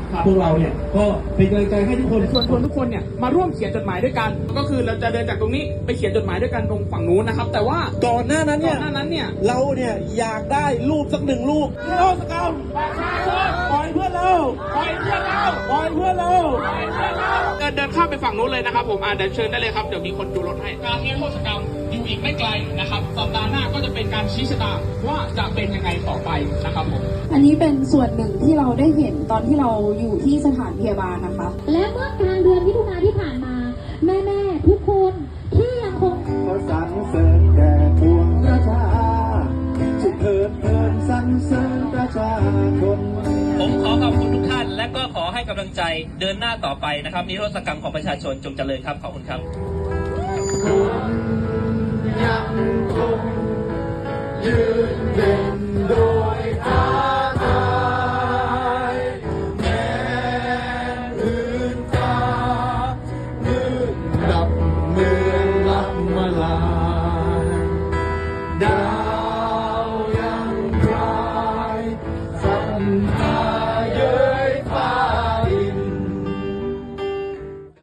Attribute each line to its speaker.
Speaker 1: พวกเราเนี่ยก็เป็นกำลังใจให้ทุกคน
Speaker 2: ชวนทุกคนเนี่ยมาร่วมเขียนจดหมายด้วยกันก็คือเราจะเดินจากตรงนี้ไปเขียนจดหมายด้วยกันตรงฝั่งนู้นนะครับแต่ว่า
Speaker 1: ก่อนหน้านั้นเนี่ยเราเนี่ยอยากได้รูปสัก1 รูปนิรโทษกรรมประชาชนปล่อยเพื่อนเราปล่อยเพื่อนเราปล่อยเพื่อนเรา
Speaker 2: เดินข้ามไปฝั่งนู้นเลยนะครับผมเดี๋ยวเชิญได้เลยครับเดี๋ยวมีคนดูรถให้การนิรโทษกรรมอยู่อีกไม่ไกลนะครับสัปดาห์หน้าก็จะเป็นการชี้ชะตาว่าจะเป็นยังไงต่อไปนะครับผม
Speaker 3: อันนี้เป็นส่วนหนึ่งที่เราได้เห็นตอนที่เราอยู่ที่สถานพยาบาลนะคะ
Speaker 4: และเมื่อกลางเดือนมิถุนายนที่ผ่านมาแม่ๆทุกคนที่ยังคง
Speaker 5: ขอสรรเสริญแด่ปวงประชาจุดเถิดเทินสรรเสริญประชาชน
Speaker 6: ผมขอขอบคุณทุกท่านและก็ขอให้กำลังใจเดินหน้าต่อไปนะครับนิรโทษกรรมของประชาชนจงเจริญครับขอบคุณครับ
Speaker 5: ยังคงยืนเด่นโดยท้าทายแม้พื้นฟ้ามืดดับเมืองลับมาลายดาวยังพรายสันตา